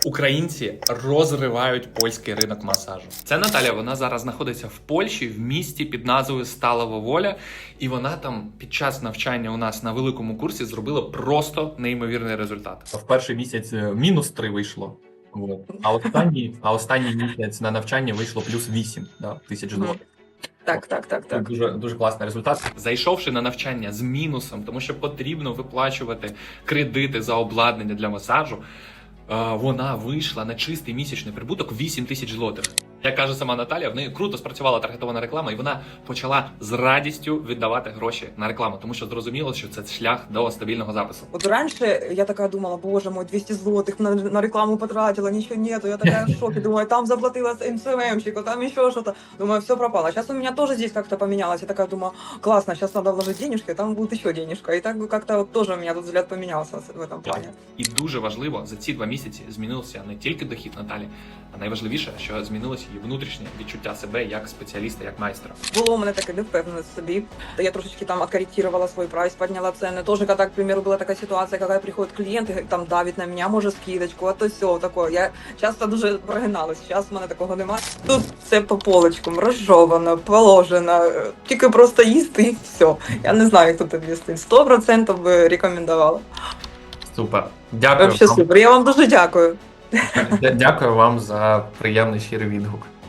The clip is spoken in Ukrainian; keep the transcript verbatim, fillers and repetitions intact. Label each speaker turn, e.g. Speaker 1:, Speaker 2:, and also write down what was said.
Speaker 1: Українці розривають польський ринок масажу. Це Наталя, вона зараз знаходиться в Польщі, в місті під назвою Сталова Воля, і вона там під час навчання у нас на великому курсі зробила просто неймовірний результат. В перший місяць мінус три вийшло. Вот. А останній, а останній місяць на навчання вийшло плюс вісім да, тисяч доларів.
Speaker 2: Так, так, так, так.
Speaker 1: Дуже, дуже класний результат. Зайшовши на навчання з мінусом, тому що потрібно виплачувати кредити за обладнання для масажу, вона вийшла на чистий місячний прибуток вісім тисяч злотих. Як каже сама Наталя, в неї круто спрацювала таргетована реклама, і вона почала з радістю віддавати гроші на рекламу, тому що зрозуміло, що це шлях до стабільного запису.
Speaker 2: Вот раньше я такая думала, боже мой, двести злотых на, на рекламу потратила, ничего нету, я такая в шоке, думаю, там заплатила эм эс эм эм-щику, там еще что-то, думаю, все пропало. Сейчас у меня тоже здесь как-то поменялось, я такая думаю, классно, сейчас надо вложить денежки, там будет еще денежка, и так как-то вот тоже у меня тут взгляд поменялся в этом плане.
Speaker 1: І дуже важливо, за ці два місяці змінився не тільки дохід Наталі, а найважливіше, що змінилося її внутрішнє відчуття себе як спеціаліста, як майстра.
Speaker 2: Було у мене таке невпевненість в собі, то я трошечки там откорректировала свой прайс, подняла цены. Тоже, когда, к примеру, была такая ситуация, когда приходит клиент и там давит на меня, може скидочку, а то все такое. Я часто дуже прогиналась, зараз в мене такого немає. Тут все по полочкам, розжовано, положено, тільки просто їсти і все. Я не знаю, як тут об'яснити. сто відсотків би рекомендувала.
Speaker 1: Супер. Дякую.
Speaker 2: Вообще супер. Я вам дуже дякую.
Speaker 1: Дякую вам за приємний щирий відгук.